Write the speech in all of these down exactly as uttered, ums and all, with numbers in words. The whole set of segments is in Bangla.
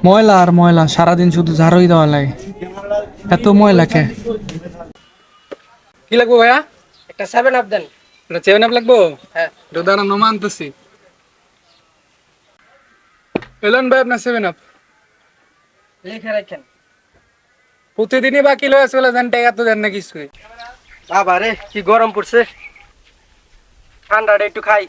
ময়লা আর ময়লা, সারাদিন শুধু ঝাড়ুই দেওয়া লাগে। এত ময়লা কে? কি লাগবো ভাইয়া? একটা সেভেন আপ দেন। এটা সেভেন আপ লাগবো? হ্যাঁ। এটা দাঁড়ান নোমা আনতেছি। এলেন ভাই আপনার সেভেন আপ। লিখে রাখেন। প্রতিদিনই বাকি লয়ে চলে যান, টাকা তো দেন না কিছুই। বাবা রে কি গরম পড়ছে, ঠান্ডাটা একটু খাই।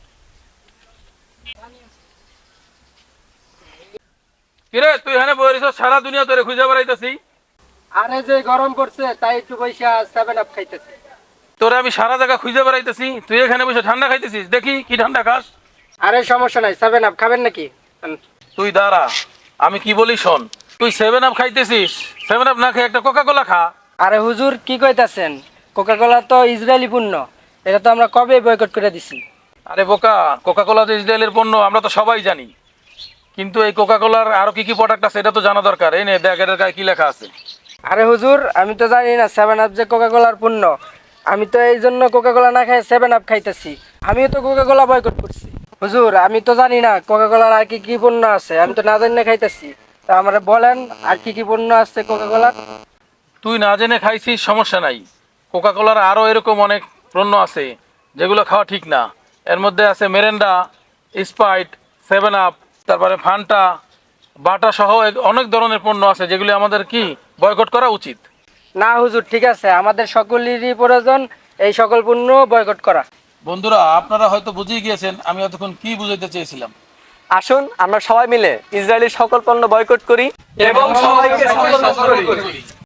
কিরে তুই এখানে বইরিস, সারা দুনিয়া তোরে খুঁজে বেড়াইতেছি। আরে যে গরম পড়ছে তাই একটু পয়সা সেভেন আপ খাইতেছি। তোরে আমি সারা জায়গা খুঁজে বেড়াইতেছি, তুই এখানে বসে ঠান্ডা খাইতেছিস। দেখি কি ঠান্ডা খাস। আরে সমস্যা নাই, সেভেন আপ খাবেন নাকি? তুই দাঁড়া, আমি কি বলি শোন। তুই সেভেন আপ খাইতেছিস, সেভেন আপ না খেয়ে একটা কোকা কোলা খা। আরে হুজুর কি কইতাছেন, কোকা কোলা তো ইসরায়েলি পণ্য, এটা তো আমরা কবে বয়কট করে দিছি। আরে বোকা, কোকা কোলা তো ইসরায়েলের পণ্য, আমরা তো সবাই জানি। কিন্তু এই কোকা কোলার আরো কি কি প্রোডাক্ট আছে এটা তো জানা দরকার। এই নে দেখ এটার গায়ে কি লেখা আছে। আরে হুজুর আমি তো জানি না সেভেন আপ যে কোকা কোলার পণ্য, আমি তো এই জন্য কোকা কোলা না খাই সেভেন আপ খাইতেছি। আমিও তো কোকা কোলা বয়কট করছি। হুজুর আমি তো জানি না কোকা কোলার আর কি কি পণ্য আছে, আমি তো না জানি না খাইতেছি। তা আমরা বলেন আর কি কি পণ্য আছে কোকা কোলার। তুই না জেনে খাইছিস সমস্যা নাই, কোকা কোলার আরো এরকম অনেক পণ্য আছে যেগুলো খাওয়া ঠিক না। এর মধ্যে আছে মেরেন্ডা, স্প্রাইট, সেভেন আপ, তারপরে ফান্টা, বাটা সহ এক- অনেক ধরনের পণ্য আছে যেগুলি আমাদের কি বয়কট করা উচিত। না হুজুর ঠিক আছে, আমাদের সকলেরই প্রয়োজন এই সকল পণ্য বয়কট করা। বন্ধুরা আপনারা হয়তো বুঝেই গিয়েছেন আমি এতক্ষণ কি বুঝাইতে চেয়েছিলাম। আসুন আমরা সবাই মিলে ইসরায়েলি সকল পণ্য বয়কট করি এবং সবাইকে সতর্ক করি।